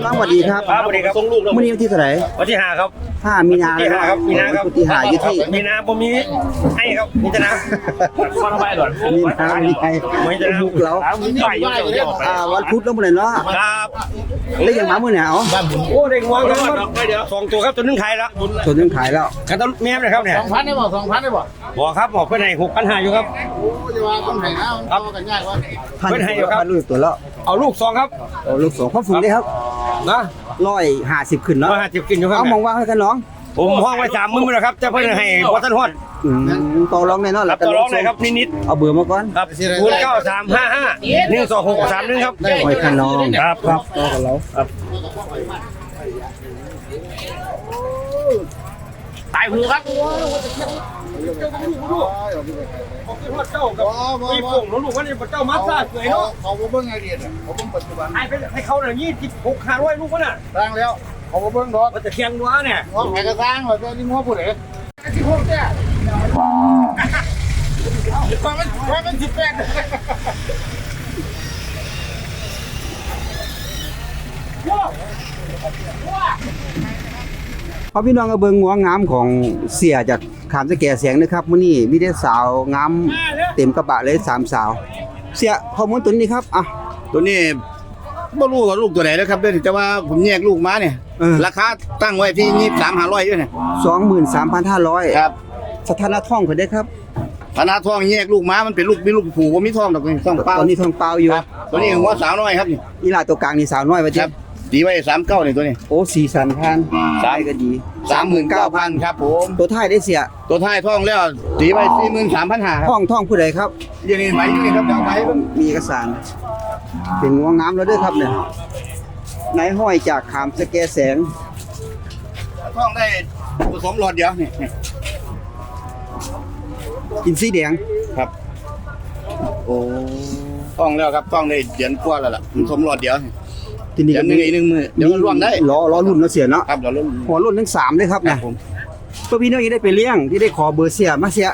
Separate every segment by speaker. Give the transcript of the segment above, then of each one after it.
Speaker 1: น้องสวัสดีครับ
Speaker 2: ครับสวัสดีครับส่งลูกแล้ว
Speaker 1: วันนี้วันที่เท่าไหร่
Speaker 2: วันที่5ครับ
Speaker 1: 5 มีนา
Speaker 2: ที่5ครับมีนาครับ
Speaker 1: วันที่5อยู่ที่
Speaker 2: มีนาผมมีให้ครับมีจะนะมาทำไมหรอ
Speaker 1: มีนามีใคร
Speaker 2: ไม่จะนะ
Speaker 1: บุกเรา
Speaker 2: มีใหญ่เยอะ
Speaker 1: วันพุธแล้วเมื่อไหร่เนาะ
Speaker 2: ครับ
Speaker 1: แล้วยังมาเมื่อไหร่เอา
Speaker 2: โอ้เด็กงวงครับเดี๋ยว2 ตัวครับตัวนึงขายแล้ว
Speaker 1: ส่วนนึงขายแล้ว
Speaker 2: กันต้นแม่เลยครับเนี่ย
Speaker 3: 2,000ได้บ่2,000ได้บ่
Speaker 2: บอกครับบอกเพื่อนให้6,500อยู่ครับ
Speaker 3: โอ้จะว่าต้องให้นะมันเข้ากันยากว่า
Speaker 1: พัน
Speaker 2: เพิ่นให้อยู่ครับ
Speaker 1: พันลูกตัวแล้ว
Speaker 2: เอาลูก2ครับ
Speaker 1: เอาลูก2ความสูงได้ครับ
Speaker 2: นะ
Speaker 1: 150ขึ้นเนาะ
Speaker 2: 150กินอยู่ครับ
Speaker 1: เอามองว่าให้กันน้อง
Speaker 2: ผมห้องไว้30,000แล้วครับจะเพื่อนให้พอท่านฮอด
Speaker 1: ต่อรองแน่นอน
Speaker 2: รับต่อรองเลยครับนิด
Speaker 1: เอาเบอร์มาก่อน
Speaker 2: ๆครับ0935512631ครับ
Speaker 1: ไว้กันน้อง
Speaker 2: ครับ
Speaker 1: ครับต่อกับเรา
Speaker 2: ตายหูครับมีปุ่งลูกว่านี่เจ้ามาซ่าสวยเนาะ
Speaker 3: เขาบ่เบิ่งไอเดียเขาเบิ่งปัจจุบัน
Speaker 2: ให้เขาหน่อย26,500ลูกวะน่ะ
Speaker 3: สร้างแล้วเขาบ่เบิ่งดอก
Speaker 2: มันจะเคียงดัวเนี่ย
Speaker 3: งอแผก็สร้างว่าแต่นี่งัวผู้ใดที่พวกเนี่ยมัน18
Speaker 1: พอพี่น้องก็เบิ่งงัวงามของเสียจากขามสะแก่เสียงนะครับมื้อนี้มีแต่สาวงามเต็มกระบะเลย3สาว เสียข้อมูลตัวนี้ครับอ่ะ
Speaker 4: ตัวนี้บ่รู้ว่าลูกตัวไหนแล้วครับเด้อแต่ว่าผมแยกลูกมาเนี่ย ราคาตั้งไว้ที่23,500อยู่เนี่ย
Speaker 1: 23,500
Speaker 4: ครับ
Speaker 1: สถานะท้องเพิ่นได้ครับ
Speaker 4: ธนาทองแยกลูกมามันเป็นลูกมีลูกผูบ่มีทองดอกนี่ต้องเปล่า
Speaker 1: ตอนนี้ท้องเปล่าอยู่
Speaker 4: ครับตัวนี้หัวสาวน้อยครับนี่
Speaker 1: อีหลาตัวกลางนี่สาวน้อยว่า
Speaker 4: ค
Speaker 1: จิ
Speaker 4: รับตีไว้39นี่ตัวนี้
Speaker 1: โอ้สีสันพันสายก็ดี
Speaker 4: 39,000ครับผม
Speaker 1: ตัวท้ายได้เสีย
Speaker 4: ตัวท้ายทองแล้วตีไว้43,500ครับ
Speaker 1: ท้องผู้ใดครับ
Speaker 4: อย่างนี้ใบอยู่นี่ครับจะเอาไปเบิ่ง
Speaker 1: มีเอกสาร เป็นงัวงามแล้วเด้อครับเนี่ยนายห้อยจากขามสะแกแสง
Speaker 4: ทองได้ผสมหลอดเดียวนี่
Speaker 1: กินสีแดง
Speaker 4: ครับโอ้ทองแล้วครับทองได้เดือนกว่าแล้วล่ะผสมหลอดเดียวนี่
Speaker 1: ทีนี้
Speaker 4: เดือนหนึงอีก1มื้อเดี๋ยวมันร่วงได้
Speaker 1: ล้อรุ่นเนาะเสียเนาะ
Speaker 4: ครับเดี๋ยวรุ่น
Speaker 1: หัวรุ่นทั้ง3ด้วยครับ
Speaker 4: ครั
Speaker 1: นะ
Speaker 4: บผม
Speaker 1: เพื่อพี่น้องยังได้ไปเลี้ยงที่ได้ขอเบอร์เสียมาเสีย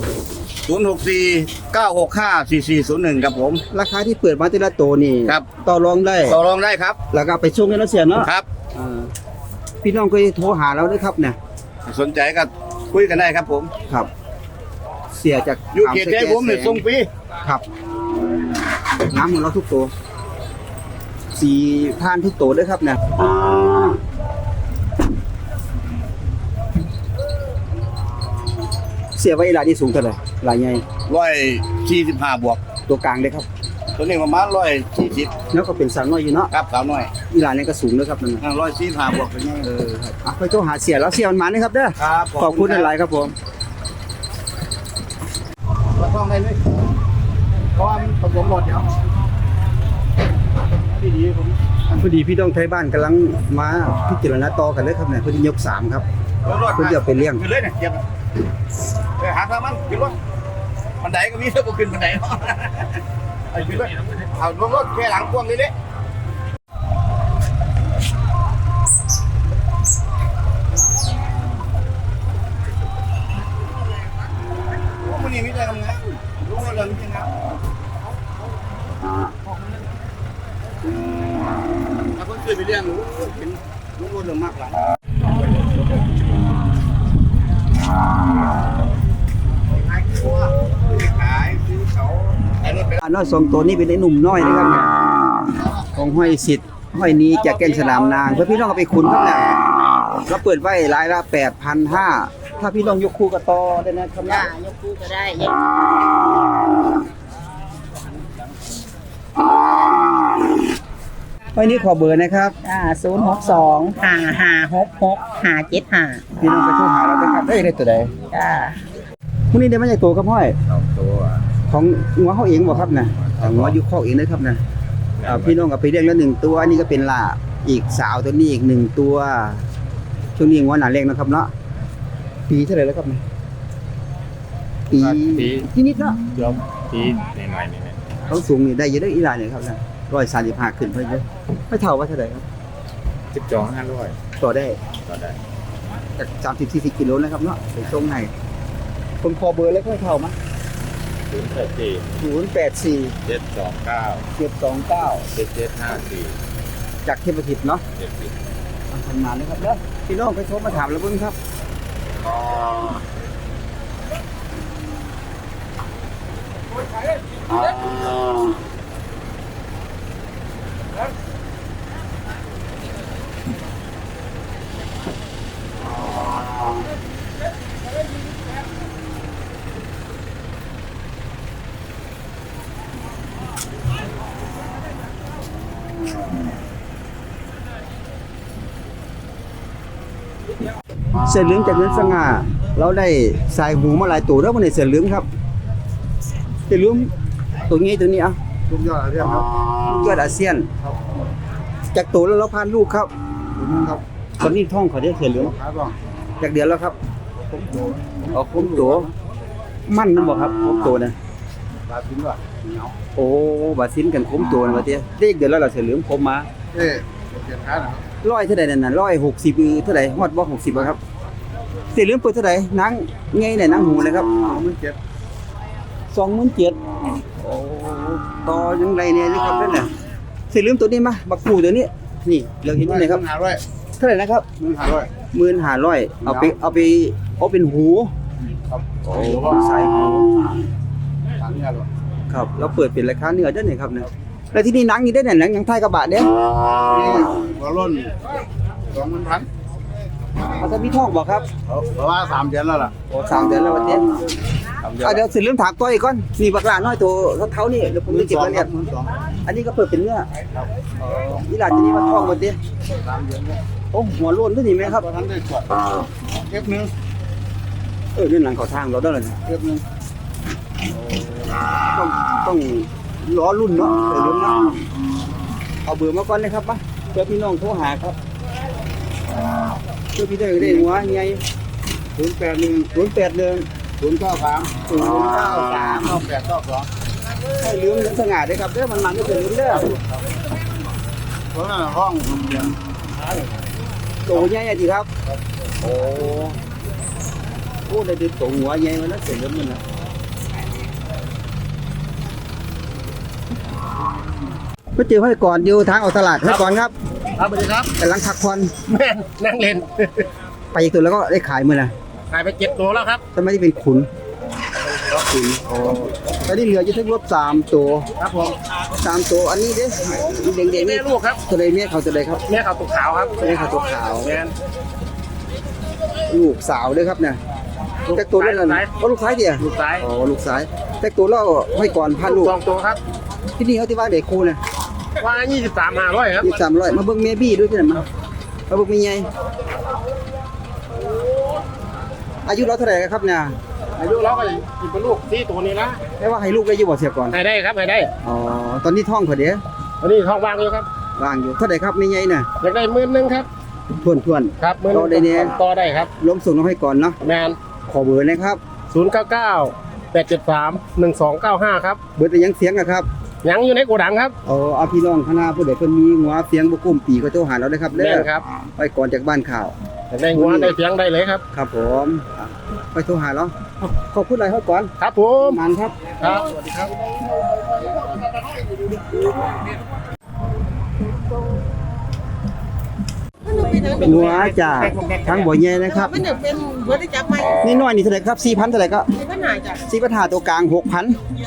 Speaker 4: 064-965-4401ครับผม
Speaker 1: ราคาที่เปิดมาแต่ละตัวนี่
Speaker 4: ครับ
Speaker 1: ต่อรองได้
Speaker 4: ต่อรองได้ครับ
Speaker 1: แล้วก็ไปส่งให้เราเสียเนาะ
Speaker 4: ครับ
Speaker 1: อ่าพี่น้องก็โทรหาเราด้วยครับเนี่ย
Speaker 4: สนใจก็คุยกันได้ครับผม
Speaker 1: ครับ เสียจาก
Speaker 4: อยู่เขตใจผมเนี่ยส่งฟรี
Speaker 1: ครับน้ำของเราทุกตัวสีผ่านทุกตัวด้วยครับเนี่ยเสียไว้หลายที่สูงเท่าไหร่หลายใหญ่
Speaker 4: 145บวก
Speaker 1: ตัวกลางเลยครับ
Speaker 4: ตัวนี้ประมาณ140
Speaker 1: แล้วก็เป็นสาวน้อยอยู่เนาะ
Speaker 4: ครับสาวน้อย
Speaker 1: อีหลานนี่ก็สูงด้วยครับนั่นน่ะ
Speaker 4: 145บวกเป็นไง
Speaker 1: ครับอ่ะไปโทรหาเสียแล้วเสียมันมานะครับเด้อ
Speaker 4: ครับ
Speaker 1: ขอบคุณหลายๆครับผม
Speaker 4: มาท่องได้เลยเพราะว่ามันผสมหมดเดี๋ยวดีๆผม
Speaker 1: พอดีพี่น้องไทยบ้านกำลังมาพิจารณาต่อกันเลยครับเนี่ยเพิ่นยก3ครับเพิ่นจะเอาไปเลี้ยง
Speaker 4: ขึ้นเลยเนี่ยเยี่ยมไปหาทางมันขึ้นรถบันไดก็มีเท่ากับขึ้นบันไดเนาะไอ้ขึ้นรถเอาลงรถแค่หลังพ่วงเลยวันนี้มีอะไรทำไงรู้ว่าเรื่องจริงนะถ้าเพิ่งเคยไปเรียนรู้เป็นรู้ว่าเรื่องมากหลังขายซื้อเขาไอ้รถไป
Speaker 1: อันน้อย2ตัวนี้เป็นไอ้หนุ่มน้อยนะครับเนี่ยของห้อยสิทธิ์ห้อยนี้จากแก่นสนามนางเพื่อพี่น้องเอาไปขุนครับเนี่ยเราเปิดไว้รายละ 8,500 ถ้าพี่น้องยกคู่กับต่อได้นะครับ
Speaker 5: จ้ายกคู่ก็ได้
Speaker 1: วันนี้ขอเบอร์นะครับ
Speaker 5: 062-5566-575
Speaker 1: พี่น้องไปโทรหาเราได้ครับได้ตัวใด
Speaker 5: จ้า
Speaker 1: มื้อนี้ได้มาจากตัวครับห้อยของงัวเฮาเองบ่ครับน่ะงัวอยู่คอกเองเลยครับน่ะพี่น้องก็ไปเลี้ยงแล้ว1ตัวอันนี้ก็เป็นล่าอีกสาวตัวนี้อีก1ตัวช่วงนี้งัวหน้าแรงนะครับเนาะปีเท่าไหร่แล้วครับเนี่ยปีนิดๆเนาะ
Speaker 2: ยอมปีหน่อยๆนี่
Speaker 1: เขาสูงนี่ได้เยอะได้อีหลานเนี่ยครับนะ135ขึ้นเพิ่นเยอะไม่เท่าว่าเท่าไหร่ครับ
Speaker 2: 12,500
Speaker 1: ต่อได้
Speaker 2: ต่อได้
Speaker 1: จาก30-40กิโลนะครับเนาะไปส่งให้คนขอเบอร์เลยค่อยเข้ามา
Speaker 2: 084
Speaker 1: 084
Speaker 2: 729
Speaker 1: 729
Speaker 2: 7754
Speaker 1: จากเทพทิพย์เนาะทำงานเลยครับเด้อพี่น้องไปโทรมาถามแล้วเบิ่งครับเสือเหลืองจากเงินสง่าเราได้สายหูมาหลายตัวแล้ววันนี้เสือเหลืองครับเสือเหลืองตัวนี้ตัวนี้อ่ะ
Speaker 3: ทุกยอดเรียกครับ
Speaker 1: ยอดอาเซียนจากตัวแล้วเราพานลูกครับ
Speaker 3: ถึงนึงครับ
Speaker 1: ตอนนี้ท้องเขาได้เสือเหลือง
Speaker 3: ขาบ้าง
Speaker 1: จากเดือนแล้วครับ
Speaker 3: ผมโต
Speaker 1: เอาคมตัวมั่นนั่นบอกครับคมตัวนะ
Speaker 3: ตาถึงว่าเหนียว
Speaker 1: โอ้บาซินกันคมตัวนะว่าเตี้ยเด็กเดือนแล้วเราเสือเหลืองคมมา
Speaker 3: เอ๊ะเจ็บขาหน่อยครับ
Speaker 1: ร้อยเท่าไหร่นั่นน่ะ160เท่าไหร่ฮอดบ่60บ่ครับเสือเหลืองเปิดเท่าไหร่นางไงเนี่ยนางหูเลยครับ
Speaker 3: มันเจ็บ
Speaker 1: 27,000โอ้ต่อยังไงเนี่ยนี่ครับนั่นน่ะเสือเหลืองตัวนี้มาบักกูตัวนี้นี่เราเห็นอยู่ไหนครับ
Speaker 3: 1,500
Speaker 1: เท่าไหร่นะครับ
Speaker 3: 1,500
Speaker 1: 15,000เอาเป็นหู
Speaker 3: ครับ
Speaker 1: โอ้ใส่หู
Speaker 3: ทางนี้หรอ
Speaker 1: ครับเราเปิดเป็นราคาเนื้อได้ไหนครับเนี่ยแล้วที่นี่หนังนี่ได้ไหนหนังยังไทยกระบะเด้
Speaker 3: นี่หัวล้น2,000
Speaker 1: เขาจะมีท่องบอกครับ
Speaker 3: เพราะว่า3เดือนแล้วล่ะ
Speaker 1: โอ้3 เดือนแล้ววันเนี้ยเดี๋ยวสิเรื่องถามตัวอีกก่อนนี่บักหลาน้อยตัวเท่านี่เดี๋ยวผมจะเก็บรายละเอียดอันนี้ก็เปิดเป็นเนื้อนี่หลานจะนี่มาท่องวันเนี้ย
Speaker 3: 3เดือนแล้ว
Speaker 1: โอ้หัวโล้นด้วยนี่ไหมครับ
Speaker 3: บ่ทันได้ตรวจเก็บนึง
Speaker 1: เรื่องหลังเขาทางเราได้เลยนะ
Speaker 3: เก็บนึง
Speaker 1: ต้องล้อรุ่นเนาะเรื่องนะเอาเบอร์มาก่อนเลยครับปะเพื่อพี่น้องโทรหาครับเพื่อพี่ได้หัวไง
Speaker 3: 081 093
Speaker 1: ให้เรื่องสง่าได้ครับเด้อมันไม่เป็นเรื่องเด้อ
Speaker 3: เพราะนั่นห้องเรียน
Speaker 1: โตใหญ่จีครับโอ้ได้ดูโตหัวใหญ่มาแล้วเสร็จแล้วมันนะก็เจอให้ก่อนอยู่ทางออกตลาดให้ก่อนครับ
Speaker 2: ครับสวัสดีครับ
Speaker 1: กำลังพักผ่อน
Speaker 2: แม่นนั่งเล่น
Speaker 1: ไปอีกตัวแล้วก็ได้ขายมือนะ
Speaker 2: ขายไป7ตัวแล้วครับ
Speaker 1: ทำไมที่เป็นขุนตอนนี้เหลืออยู่ทั้งรถ3 ตัว
Speaker 2: ครับผม
Speaker 1: 3 ตัวอันนี้เด้เด็กๆ
Speaker 2: แม่
Speaker 1: นี่
Speaker 2: ลูกครับ
Speaker 1: ตัวใดเมียเขาตัวใดครับ
Speaker 2: แม่ขาวตุกขาวครับ
Speaker 1: เมียเขาตัวขาว
Speaker 2: แม่น
Speaker 1: ลูกสาวด้วยครับเนี่ยแต่ตัวนั่นน่ะก็ลูกซ้ายเดียว
Speaker 2: ลูกซ้าย
Speaker 1: อ๋อลูกซ้ายแต่ตัวเราให้ก่อนพันลูก
Speaker 2: 2ตัวครับ
Speaker 1: ที่นี่เขาที่ว่าเด็กครูเนี่ย
Speaker 2: ว่า23,500ครับ
Speaker 1: 300มาเบิ่งเมียบี้ด้วยที่ไหนมาเบิ่งเมียใหญ่อายุเราเท่าไหร่ครับเนี่ย
Speaker 2: อายุเราก็สิเป็นลูก4ตัวนี้นะ
Speaker 1: แค่ว่าให้ลูกได้อยู่บ่เสียก่อน
Speaker 2: ให้ได้ครับให้ได้
Speaker 1: อ๋อตอนนี้ท้องเขาเดี๋ยว
Speaker 2: วันนี้ท้องว่างอยู่ครับ
Speaker 1: ว่างอยู่เท่าไหร่ครับเมียใหญ่น่ะ
Speaker 2: อยากได้10,000ครับ
Speaker 1: ทวน
Speaker 2: ครับ
Speaker 1: ต่อได้เนี่ย
Speaker 2: ต่อได้ครับ
Speaker 1: ๆล้มส่งน้องให้ก่อนเนาะ
Speaker 2: แมน
Speaker 1: ขอเบอร์นะครับ
Speaker 2: 099 873 1295ครับ
Speaker 1: เบอร์แต่ยังเสียงอะครับ
Speaker 2: ยังอยู่ในโกดังครับ
Speaker 1: เอาพี่น้องคณะผู้ใดเพิ่นมีหัวเสียงบ่กุ้มปีก็โทรหาเราได้ครับ
Speaker 2: แม
Speaker 1: เด้อน
Speaker 2: ครับ
Speaker 1: ไปก่อนจากบ้านข่าว
Speaker 2: อยากได้หัวได้เสียงได้เลยครับ
Speaker 1: ครับผมไปโทรหาเราขอบคุณหลายครับก่อน
Speaker 2: ครับผม
Speaker 1: มันครับ
Speaker 2: ครับสวัสดีครับ
Speaker 1: หัวจากทั้งบ่อใหญ่นะครับ
Speaker 5: มันจะเป็นบริจาคไหม
Speaker 1: นี่น้อยนี่เท่าไหร่ครับ 4,000 เท่าไหร่ก็
Speaker 5: มีปัญหาจ้ะ
Speaker 1: 4,500ตัวกลาง 6,000
Speaker 5: ตัวกลาง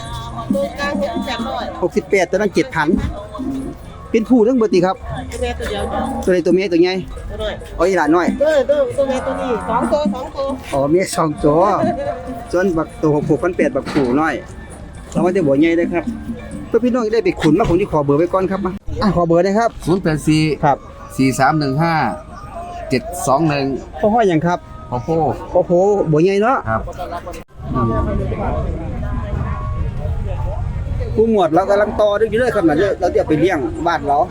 Speaker 5: 6,800
Speaker 1: 68ตัวนั้น 7,000 เป็นผู้ทั้งเบิดติครับ
Speaker 5: ตัวแม่ตัวเดียวจ้ะ
Speaker 1: ตัวใดตัวเมียตัวใหญ่
Speaker 5: ตัวน้อย
Speaker 1: เอาอีหลานน้อย
Speaker 5: ตัวแม่ตัวนี้2ตัว2ตัว
Speaker 1: อ๋อเมีย2ตัวส่วนบักตัว6,800บักผู้น้อยเรามาแต่บ่อใหญ่เด้อครับเพื่อพี่น้องจะได้ไปขุนมาผมสิขอเบอร์ไว้ก่อนครับมาขอเบอร์หนะครับ
Speaker 4: 084
Speaker 1: ครับ
Speaker 4: 4315 721
Speaker 1: พ่อห้อยหยังครับ
Speaker 4: พ่อโพ
Speaker 1: พ่อโผบ่อใหญ่เนาะ
Speaker 4: ครับ
Speaker 1: ผู้หมวดเรากำลังต่อด้วยอยู่เลยครับนะเราจะไปเลี้ยงบ้านเรา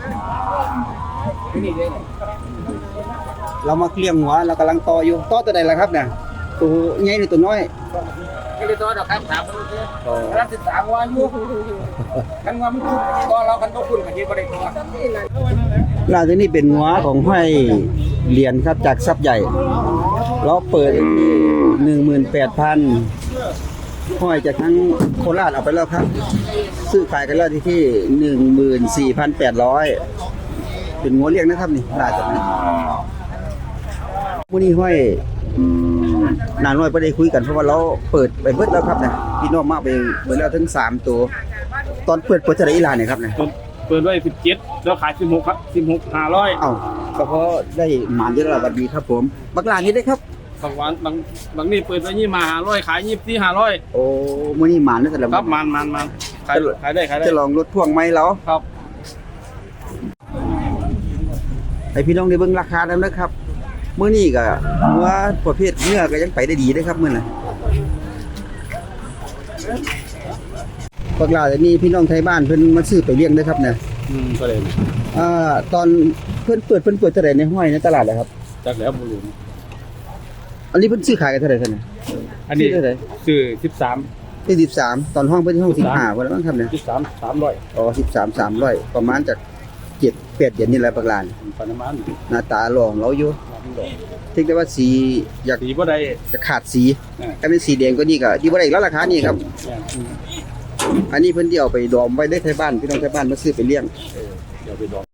Speaker 1: มาเลี้ยงหัวเรากำลังต่ออยู่ต่อตัวใดล่ะครับเนี่ยตัวใหญ่หรือตัวน้อย
Speaker 2: ไม่ได้ตัวดอกครับถามมันคือรับ13ว่าอยู่กันว่ามันคือตัวเรากันบ่คุ้นกันที่บ่ได้ตัว
Speaker 1: ล่าตัวนี้เป็นหัวของห้อยเหรียญครับจากทรัพย์ใหญ่ เราเปิด 18,000 ห้อยจากทั้งโคราชเอาไปแล้วครับ ซื้อขายกันแล้วที่ 14,800 เเป็นงัวเลี้ยงนะครับนี่ลาจากนี้มื้อนี้ห้อยนานน้อยบ่ได้คุยกันเพราะว่าเราเปิดไปเบิดแล้วครับนะพี่น้องมาไปเบิดแล้วถึง3ตัวตอนเปิดจะได้อีหลานเนี่ยครับนะ
Speaker 2: เปิดไว้17แล้วขาย16ครับ16,500
Speaker 1: เอ้าก็เพราะได้หมานเยอะแล้วบัดนี้ครับผมบักหลานนี้ได้ครับ
Speaker 2: บางวันบางนี่เปิดไว้ยี่มา500ขาย24,500
Speaker 1: โอ้มื้อนี้หมานแล้วแต่ละ
Speaker 2: ครับมันขายได้
Speaker 1: จะลองรถพ่วงไหมแล้ว
Speaker 2: ครับ
Speaker 1: ให้พี่น้องได้เบิ่งราคาแล้วนะครับมื้อนี้ก็หัวประเภทเนื้อก็ยังไปได้ดีเด้อครับมื้อน่ะพวกเราจะมีพี่น้องไทยบ้านเพิ่นมาซื้อไปเลี้ยงเด้อครับเนี่ย
Speaker 2: ก็เลย
Speaker 1: ตอนเพิ่นเปิดเท่าไหร่ในห้อยในตลาดเลยครับ
Speaker 2: จากแล้วบุรุษ
Speaker 1: อันนี้เพิ่นซื้อขายกันเท่าไหร่ท่านน่ะ
Speaker 2: อันนี้
Speaker 1: ซื้อเท่าไหร่
Speaker 2: ซื้อ13
Speaker 1: ที่13ตอนห้องเพิ่นห้อง15ว่าแล้วมั้งครับเนี่ย
Speaker 2: 13 300
Speaker 1: อ๋อ13 300ประมาณจาก7 8เดือนนี่แหละบักหลาน
Speaker 2: ปานมัน
Speaker 1: หน้าตาหล่อของเราอยู่ถึงแต่ว่าสีอยาก
Speaker 2: สีบ่ได้
Speaker 1: จะขาดสีถ้าเป็นสีแดงก็นี่ก็ที่บ่ได้อีกแล้วราคานี่ครับ อันนี้เพิ่นที่เอาไปดอมไว้ได้ไทยบ้านพี่น้องไทยบ้านมาซื้อไปเลี้ยง
Speaker 2: เดี๋ยวไปดอง